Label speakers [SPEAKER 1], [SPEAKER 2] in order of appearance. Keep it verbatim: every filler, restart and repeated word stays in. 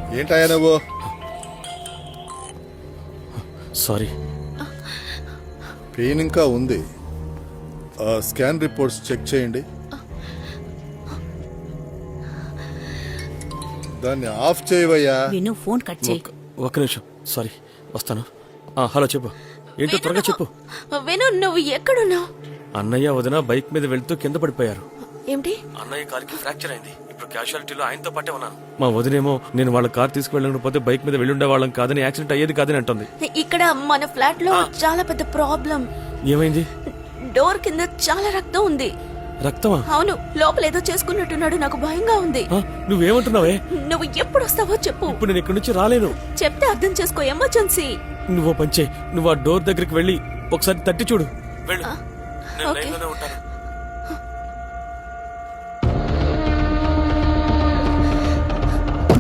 [SPEAKER 1] ఏంటయ్యా నువ్వు?
[SPEAKER 2] Sorry.
[SPEAKER 1] Pain ఇంకా ఉంది. స్కాన్ రిపోర్ట్స్ చెక్ చేయండి. దాన్ని ఆఫ్ చేయవయ్యా.
[SPEAKER 3] విను, ఫోన్ కట్ చేయి.
[SPEAKER 2] ఒక్క నిమిషం, సారీ, వస్తాను. హలో, చెప్పు. ఏంటో త్వరగా చెప్పు.
[SPEAKER 4] విను, నువ్వు ఎక్కడున్నావు?
[SPEAKER 2] అన్నయ్య వదిన బైక్ మీద వెళ్తూ కింద పడిపోయారు.
[SPEAKER 4] ఏమిటి?
[SPEAKER 2] అన్నయ్య కారుకి ఫ్రాక్చర్ అయింది. ఇప్పుడు క్యాజువాలిటీలో ఆయనతో పాటే ఉన్నాను. మా వదినేమో నేను వాళ్ళ కార్ తీసుకువెళ్ళకపోతే బైక్ మీద వెళ్ళుండే వాళ్ళం కాదని, యాక్సిడెంట్ అయ్యేది కాదని అంటుంది.
[SPEAKER 4] ఇక్కడ మన ఫ్లాట్ లో చాలా పెద్ద ప్రాబ్లం.
[SPEAKER 2] ఏమైంది?
[SPEAKER 4] డోర్ కింద చాలా రక్తం ఉంది.
[SPEAKER 2] రక్తమా?
[SPEAKER 4] అవును, లోపల ఏదో చేసుకున్నట్టున్నాడు. నాకు భయంగా ఉంది.
[SPEAKER 2] నువ్వేమంటున్నావే?
[SPEAKER 4] నువ్వు ఎప్పుడు వస్తావో చెప్పు.
[SPEAKER 2] ఇప్పుడు నేను ఇక్కడి నుంచి రాలేను.
[SPEAKER 4] చెప్తే అర్థం చేసుకో, ఎమర్జెన్సీ.
[SPEAKER 2] నువ్వు పంచే, నువ్వు ఆ డోర్ దగ్గరికి వెళ్ళి ఒకసారి తట్టి చూడు. వెళ్ళు, నేను
[SPEAKER 4] ఓకే.
[SPEAKER 2] లైన్లోనే ఉంటాను.